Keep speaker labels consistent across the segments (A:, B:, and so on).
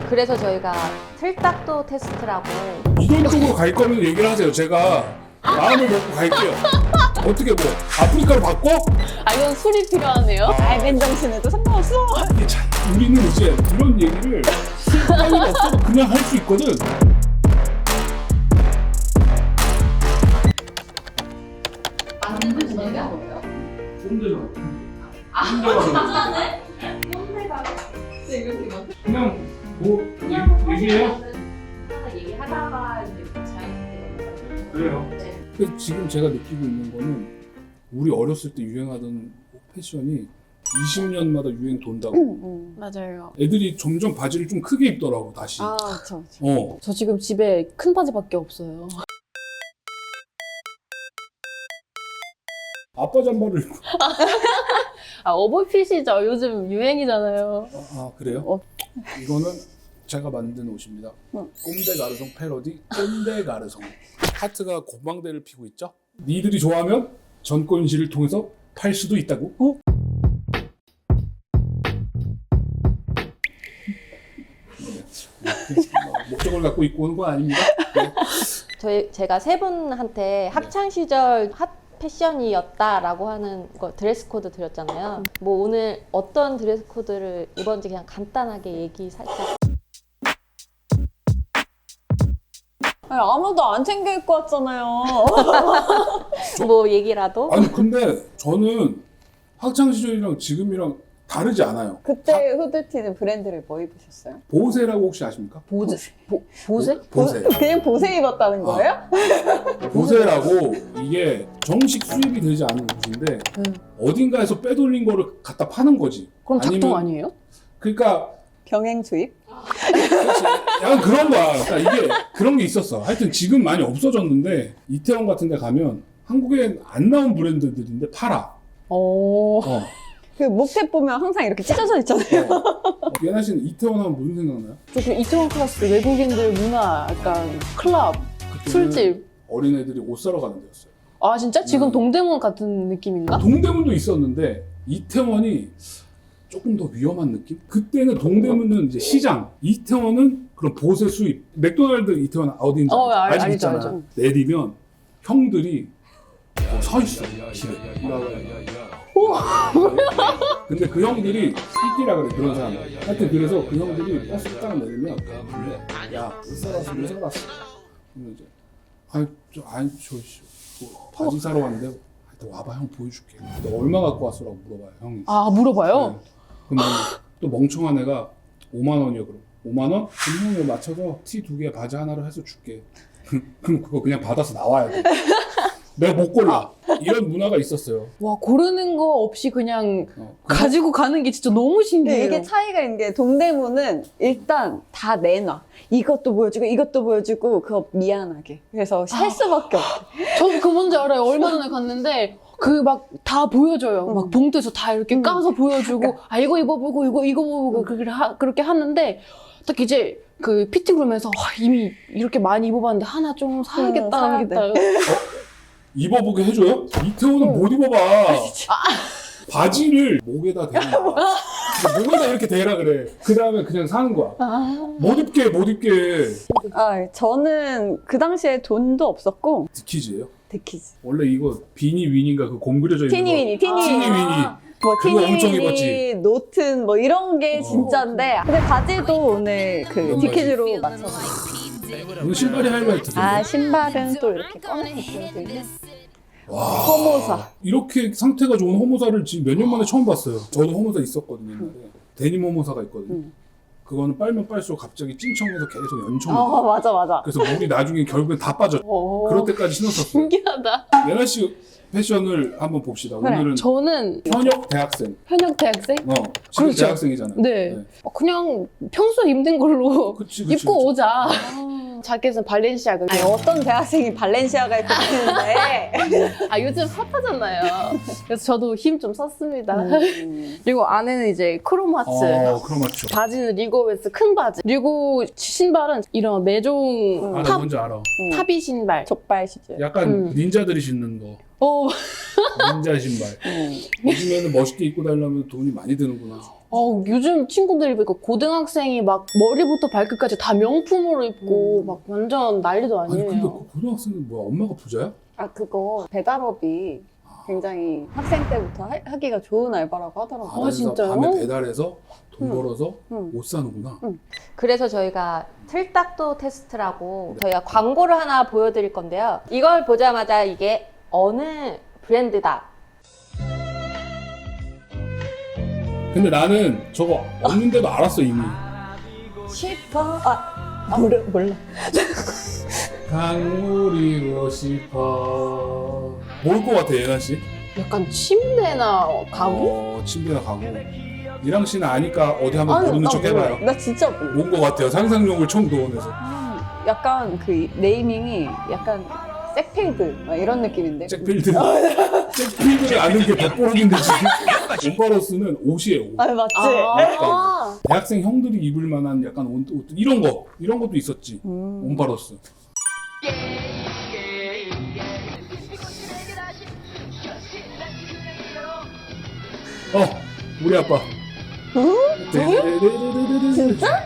A: 그래서 저희가 틀딱도 테스트라고.
B: 이런 쪽으로 갈 거면 얘기를 하세요. 제가 마음을 먹고 갈게요. 어떻게 뭐 아프리카로 바꿔?
C: 아, 이건 술이 필요하네요.
D: 아, 맨정신에도 상관없어.
B: 이게 참, 우리는 이제 이런 얘기를 실패가 없어도 그냥 할 수 있거든.
A: 만드는 분야가 뭐예요?
B: 꼰대잖아.
A: 진짜네? 꼰대가 이렇게 막
B: 그냥 뭐 얘기해요?
A: 하나 얘기하다가 이제 자연스럽게.
B: 그래요.
A: 네.
B: 근데 지금 제가 느끼고 있는 거는 우리 어렸을 때 유행하던 패션이 20년마다 유행 돈다고.
C: 맞아요.
B: 애들이 점점 바지를 좀 크게 입더라고 다시.
D: 아, 그쵸.
C: 저 지금 집에 큰 바지밖에 없어요.
B: 아빠 잠바를 입고.
C: 아, 오버핏이죠. 요즘 유행이잖아요.
B: 아 그래요?
C: 어.
B: 이거는 제가 만든 옷입니다. 꼰대 가르송 패러디 꼰대 가르송. 하트가 고방대를 피고 있죠? 니들이 좋아하면 전권시를 통해서 팔 수도 있다고? 목적을 갖고 입고 오는 건 아닙니다. 네.
A: 제가 세 분한테 학창 시절 핫 패션이었다라고 하는 거 드레스 코드 드렸잖아요. 뭐 오늘 어떤 드레스 코드를 입었는지 그냥 간단하게 얘기 살짝.
D: 아니, 아무도 안 챙겨 입고 왔잖아요.
A: 뭐 얘기라도.
B: 아니 근데 저는 학창 시절이랑 지금이랑 다르지 않아요.
D: 그때 후드티는 브랜드를 뭐 입으셨어요?
B: 보세라고 혹시 아십니까?
C: 보세?
B: 보세.
D: 그냥 보세 입었다는 거예요?
B: 보세라고 이게 정식 수입이 되지 않은 옷인데 어딘가에서 빼돌린 거를 갖다 파는 거지.
C: 그럼 작동
B: 아니면-
C: 아니에요?
B: 그러니까
D: 경행 수입?
B: 그렇지. 약간 그런 거야. 그러니까 이게 그런 게 있었어. 하여튼 지금 많이 없어졌는데 이태원 같은 데 가면 한국에 안 나온 브랜드들인데 팔아.
C: 오.
B: 어.
D: 그 목탭 보면 항상 이렇게 찢어져 있잖아요.
B: 예나 씨는 이태원 하면 무슨 생각나요?
C: 저 이태원 클래스 외국인들 문화, 약간 클럽,
B: 그때는
C: 술집.
B: 어린애들이 옷 사러 가는 데였어요.
C: 아, 진짜? 지금 동대문 같은 느낌인가?
B: 동대문도 있었는데 이태원이 조금 더 위험한 느낌? 그때는 동대문은 이제 시장, 이태원은 그런 보세 수입. 맥도날드 이태원 어딘지 알지?
C: 알죠,
B: 있잖아.
C: 알죠.
B: 내리면 형들이 서 있어 길에. 근데 그 형들이 새끼라 그래 그런 사람. 하여튼 그래서 그 형들이 버스 딱 내리면 야, 옷 사러 왔어, 옷 사러 왔어. 그러면 이제 뭐, 바지 사러 왔는데 하여튼 와봐 형 보여줄게. 너 얼마 갖고 왔어라고 물어봐요 형이.
C: 아, 물어봐요?
B: 네. 그러면 또 멍청한 애가 5만 원이요 그럼. 5만 원? 그럼 형이 맞춰서 티 2개 바지 하나로 해서 줄게. 그럼 그거 그냥 받아서 나와야 돼. 내가 못 골라. 이런 문화가 있었어요.
C: 와, 고르는 거 없이 그냥
B: 어.
C: 가지고 가는 게 진짜 너무 신기해요.
D: 근데 이게 차이가 있는 게 동대문은 일단 다 내놔. 이것도 보여주고 이것도 보여주고 그거 미안하게. 그래서 살 수밖에 없어.
C: 저 그 뭔지 알아요. 얼마 전에 갔는데 그 막 다 보여줘요. 막 봉투에서 다 이렇게 까서 보여주고 아 이거 입어보고 이거 입어보고 그렇게 하는데 딱 이제 그 피팅룸에서 이미 이렇게 많이 입어봤는데 하나 좀 사야겠다
D: 사야
C: 하겠다.
B: 입어보게 해줘요? 이태원은 못 입어봐. 바지를 목에다 대는 거야. 목에다 이렇게 대라 그래. 그 다음에 그냥 사는 거야. 못 입게, 못 입게.
D: 아, 저는 그 당시에 돈도 없었고
B: 디키즈예요?
D: 데키즈.
B: 원래 이거 비니 위니인가 그 곰 그려져 있는
D: 티니위니,
B: 거.
D: 티니위니.
B: 티니위니.
D: 뭐
B: 그거 엄청
D: 티니위니,
B: 입었지.
D: 노튼 뭐 이런 게 진짜인데 근데 바지도 오늘 그
B: 이런
D: 디키즈로 맞춰서.
B: 오늘 신발이 하이라이트죠.
D: 아, 신발은 또 이렇게 꺼내서 보여드리고.
B: 와.
D: 허모사.
B: 이렇게 상태가 좋은 호모사를 지금 몇 년 만에 처음 봤어요. 저도 호모사 있었거든요. 옛날에. 데님 호모사가 있거든요. 그거는 빨면 빨수록 갑자기 찡청해서 계속 연청이 돼.
D: 맞아, 맞아.
B: 그래서 물이 나중에 결국엔 다 빠져. 그럴 때까지 신었었어요.
C: 신기하다.
B: 예나 씨 패션을 한번 봅시다.
D: 그래.
B: 오늘은
C: 저는
B: 현역 대학생.
C: 현역 대학생?
B: 지금
C: 그렇죠.
B: 대학생이잖아요.
C: 네. 그냥 평소에 입는 걸로
B: 그치.
C: 입고 오자. 자켓은 발렌시아가.
D: 아니, 어떤 대학생이 발렌시아가 입고 다니는데.
C: 아, 요즘 핫하잖아요. 그래서 저도 힘 좀 썼습니다. 그리고 안에는 이제 크로마츠.
B: 크로마츠.
C: 바지는 리고웨스 큰 바지. 그리고 신발은 이런 매종
B: 아, 나 뭔지 알아.
C: 탑이 신발.
D: 족발 시절.
B: 약간 닌자들이 신는 거.
C: 어,
B: 닌자 신발. 요즘에는 멋있게 입고 다니려면 돈이 많이 드는구나.
C: 요즘 친구들이 보니까 고등학생이 막 머리부터 발끝까지 다 명품으로 입고 막 완전 난리도
B: 아니 근데
C: 아니에요.
B: 그 고등학생은 뭐야 엄마가 부자야?
D: 아 그거 배달업이 굉장히 학생 때부터 하기가 좋은 알바라고 하더라고요.
C: 아, 진짜요?
B: 밤에 배달해서 돈
D: 응.
B: 벌어서
D: 응.
B: 옷 사는구나.
A: 그래서 저희가 틀딱도 테스트라고 저희가 광고를 하나 보여드릴 건데요. 이걸 보자마자 이게 어느 브랜드다.
B: 근데 나는 저거 없는데도 알았어 이미.
D: 싶어. 몰라.
B: 강물이고 싶어. 뭘 것 같아 예나 씨?
C: 약간 침대나 가구?
B: 침대나 가구. 이랑 씨는 아니까 어디 한번 모르는 척 해봐요.
D: 나 진짜 몰라.
B: 뭔 것 같아요? 상상력을 처음 동원해서.
D: 약간 그 네이밍이 약간 색필드 막 이런 느낌인데.
B: 잭필드. 잭필드를 아는 게 덕보록인데 지금. 온바로스는 옷이에요. 옷.
D: 맞지.
C: 아,
B: 대학생 형들이 입을 만한 약간 옷 이런 것도 있었지. 온바로스. 우리 아빠.
D: 진짜?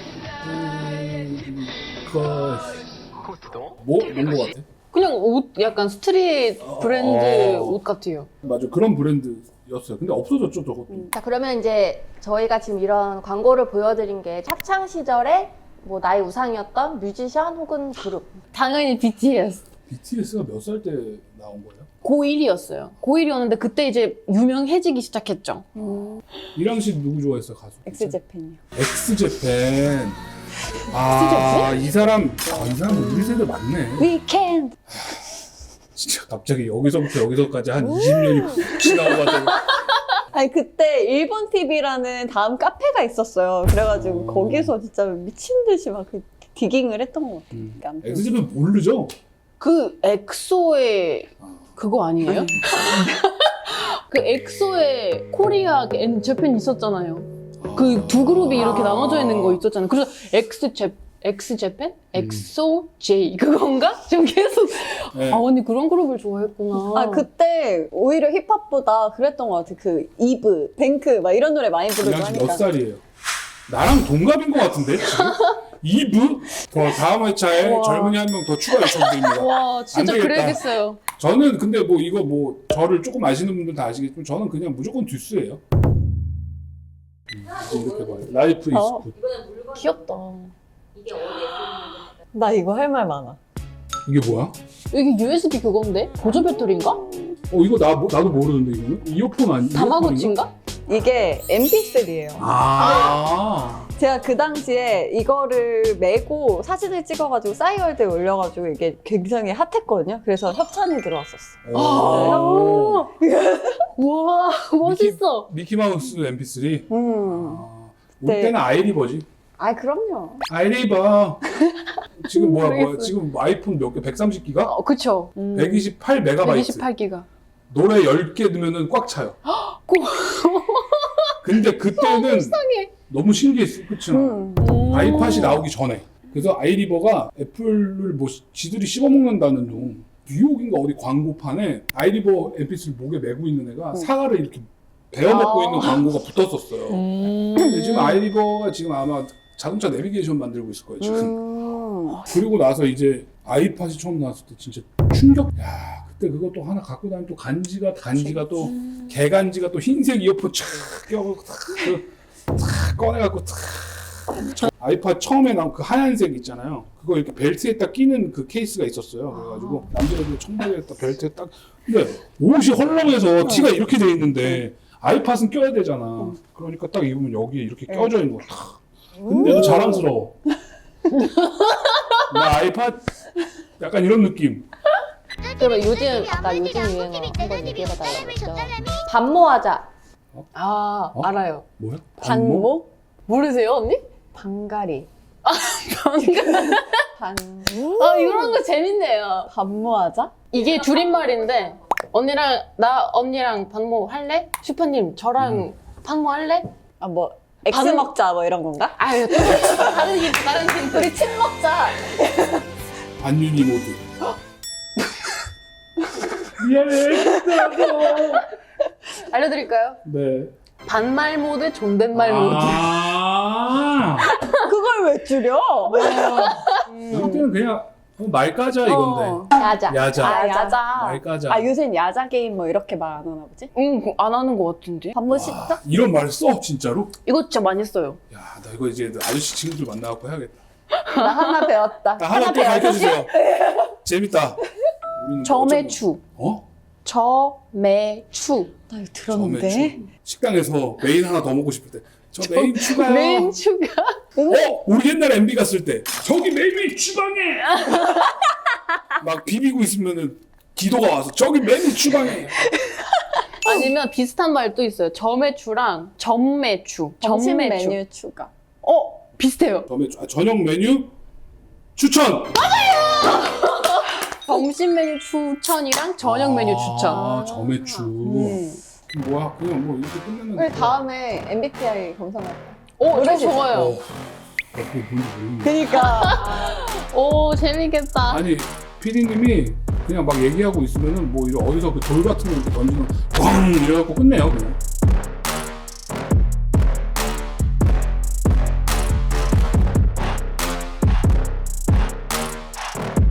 B: 뭔 거 같아?
C: 그냥 옷, 약간 스트릿 브랜드
B: 어.
C: 옷 같아요.
B: 맞아, 그런 브랜드였어요. 근데 없어졌죠, 저것도.
A: 자, 그러면 이제 저희가 지금 이런 광고를 보여드린 게 학창 시절에 뭐 나의 우상이었던 뮤지션 혹은 그룹.
C: 당연히 BTS.
B: BTS가 몇 살 때 나온 거예요?
C: 고1이었어요. 고1이었는데 그때 이제 유명해지기 시작했죠.
B: 이랑 씨 누구 좋아했어요, 가수?
D: 엑스제팬이요.
B: 엑스제팬. 이 사람 우리 세대 맞네.
D: 위켄드.
B: 진짜 갑자기 여기서부터 여기서까지 한 20년이 훅 지나가가지고.
D: 아니 그때 일본 TV라는 다음 카페가 있었어요. 그래가지고 거기서 진짜 미친 듯이 막 그 디깅을 했던 것 같아요. 그러니까 아무튼.
B: 엑스제팬 모르죠?
C: 그 엑소의 그거 아니에요? 그 엑소의 코리아 앤 재팬 있었잖아요. 그 두 그룹이 이렇게 나눠져 있는 거 있었잖아요. 그래서 엑스제팬? 엑소 J 그건가? 지금 계속
B: 네.
C: 언니 그런 그룹을 좋아했구나.
D: 그때 오히려 힙합보다 그랬던 것 같아. 그 이브, 뱅크 막 이런 노래 많이 부르고
B: 이랑 씨 몇
D: 하니까.
B: 살이에요? 나랑 동갑인 것 같은데 지금? 2부? 더 다음 회차에
C: 우와.
B: 젊은이 한 명 더 추가 요청드립니다.
C: 와 진짜
B: 안 되겠다.
C: 그래야겠어요.
B: 저는 근데 뭐 이거 뭐 저를 조금 아시는 분들 다 아시겠지만 저는 그냥 무조건 듀스예요. 이렇게 봐요. 라이프 이즈
D: 어.
B: 굿.
C: 귀엽다.
D: 나 이거 할 말 많아.
B: 이게 뭐야?
C: 이게 USB 그건데? 보조 배터리인가?
B: 이거 나도 모르는데 이거는? 이어폰 아니?
C: 다마고치인가?
D: 이게 MP3예요. 제가 그 당시에 이거를 메고 사진을 찍어가지고 싸이월드에 올려가지고 이게 굉장히 핫했거든요. 그래서 협찬이 들어왔었어.
C: 우와 멋있어.
B: 미키마우스 MP3? 우리
D: 네.
B: 때는 아이리버지.
D: 그럼요.
B: 아이리버. 지금 뭐야? 지금 아이폰 몇 개? 130기가?
C: 그쵸.
B: 128메가바이트.
C: 128기가.
B: 노래 10개 넣으면 꽉 차요. 근데 그때는 너무 신기했어. 그치? 아이팟이 나오기 전에. 그래서 아이리버가 애플을 뭐 지들이 씹어먹는다는 둥 뉴욕인가 어디 광고판에 아이리버 MP3 목에 메고 있는 애가 사과를 이렇게 베어먹고 있는 광고가 붙었었어요. 근데 지금 아이리버가 지금 아마 자동차 내비게이션 만들고 있을 거예요, 지금. 그리고 나서 이제 아이팟이 처음 나왔을 때 진짜 충격. 야, 그때 그것도 하나 갖고 다니면 또 간지가 또 개간지가 또 흰색 이어폰 촥 껴고 탁 꺼내갖고 탁. 아이팟 처음에 나온 그 하얀색 있잖아요. 그거 이렇게 벨트에 딱 끼는 그 케이스가 있었어요. 그래가지고 남자애들 청바지에 딱 벨트에 딱. 근데 옷이 헐렁해서 티가 이렇게 돼 있는데 아이팟은 껴야 되잖아. 그러니까 딱 입으면 여기에 이렇게 껴져 있는 거. 탁. 근데도 자랑스러워. 나 아이팟 약간 이런 느낌.
A: 그러면 아까 요즘 유행어 한번 얘기해봐달라고 했죠. 반모하자.
C: 알아요.
B: 뭐야?
D: 반모?
C: 모르세요 언니?
D: 방가리.
C: 이런 거 재밌네요.
D: 반모하자?
C: 이게 줄임말인데 언니랑 반모 할래? 슈퍼님 저랑 반모 할래?
D: 뭐 엑스 먹자 뭐 이런 건가?
C: 아유 다른 힌트.
D: 우리 침 먹자.
B: 반윤이 모드. 미안해.
C: 알려드릴까요?
B: 네.
C: 반말 모드, 존댓말 모드.
D: 그걸 왜 줄여?
B: 이때는 그냥 말까자 이건데.
A: 야자.
B: 야자.
D: 아, 야자.
B: 말까자.
D: 아, 요새는 야자 게임 뭐 이렇게 말 안 하나 보지?
C: 안 하는 것 같은데?
D: 밥 뭐 씻자?
B: 이런 말 써? 진짜로?
C: 이거 진짜 많이 써요.
B: 야, 나 이거 이제 아저씨 친구들 만나갖고 해야겠다.
D: 나 하나 배웠다.
B: 나 하나 또 가르쳐주세요. 재밌다. 우리는
C: 점액추.
B: 어?
C: 점액추.
D: 나 이거
B: 점액추.
D: 들었는데?
B: 식당에서 메인 하나 더 먹고 싶을 때. 저 메인 추가요.
C: 메인 추가.
B: 우리 옛날 MB 갔을 때 저기 메인 추방해. 막 비비고 있으면은 기도가 와서 저기 메인 추방해.
C: 아니면 비슷한 말도 있어요. 점액추랑 전매추.
D: 점심
C: 전매추.
D: 메뉴 추가.
C: 비슷해요.
B: 저녁 메뉴 추천.
C: 점심 메뉴 추천이랑 저녁 메뉴 추천.
B: 아, 점액추. 뭐야? 그냥 뭐 이렇게 끝내는.
D: 우리 다음에 MBTI 검사할까?
C: 저 좋아요.
B: 그게 뭔지 모르겠네.
D: 그니까.
C: 오, 재밌겠다.
B: 아니 PD님이 그냥 막 얘기하고 있으면은 뭐 이런 어디서 그 돌 같은 거 이렇게 던지면 꽝 이래갖고 끝내요 그냥.